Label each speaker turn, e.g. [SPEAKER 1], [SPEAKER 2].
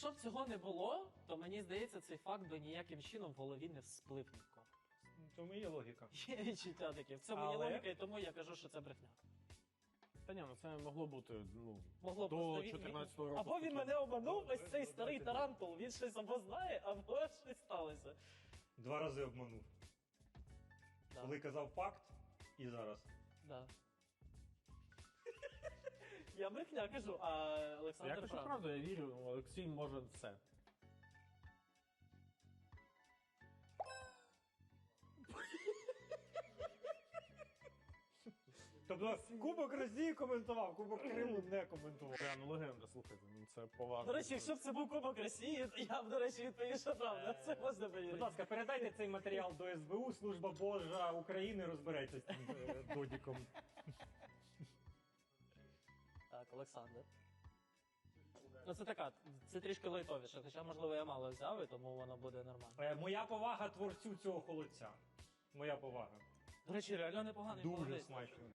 [SPEAKER 1] якщо б цього не було, то мені здається, цей факт би ніяким чином в голові не всплив нікого.
[SPEAKER 2] В цьому є логіка.
[SPEAKER 1] Є відчуття таке. В цьому є
[SPEAKER 2] Але-
[SPEAKER 1] логіка, і тому я кажу, що це брехня.
[SPEAKER 3] Та ні, ну це могло бути, ну,
[SPEAKER 1] Могло
[SPEAKER 3] до
[SPEAKER 1] просто
[SPEAKER 3] 14-го року.
[SPEAKER 1] Або він мене обманув, ось цей старий тарантул, він щось або знає, або щось сталося.
[SPEAKER 2] 2 рази обманув.
[SPEAKER 1] Да.
[SPEAKER 2] Коли казав факт, і зараз.
[SPEAKER 1] Да. Я брехня кажу, а
[SPEAKER 3] Я
[SPEAKER 1] Олександр
[SPEAKER 3] кажу
[SPEAKER 1] прав.
[SPEAKER 3] правду, я вірю, Олексій може все.
[SPEAKER 2] Тобто Кубок Росії коментував, Кубок Криму не коментував.
[SPEAKER 3] Прям легенда, слухайте, ну це поважно.
[SPEAKER 1] До речі, якщо б це був Кубок Росії, то я б, до речі, відповів, що правда. Це можна
[SPEAKER 2] Будь
[SPEAKER 1] повірити.
[SPEAKER 2] ласка, передайте цей матеріал до СБУ, Служба Божа України розбереться з цим додіком.
[SPEAKER 1] Так, Олександр. Ну це така, це трішки лайтовіше, хоча, можливо, я мало взяв, і тому воно буде нормально.
[SPEAKER 2] Моя повага творцю цього холодця. Моя повага.
[SPEAKER 1] До речі, реально непоганий
[SPEAKER 2] Дуже
[SPEAKER 1] молодець.
[SPEAKER 2] смачно.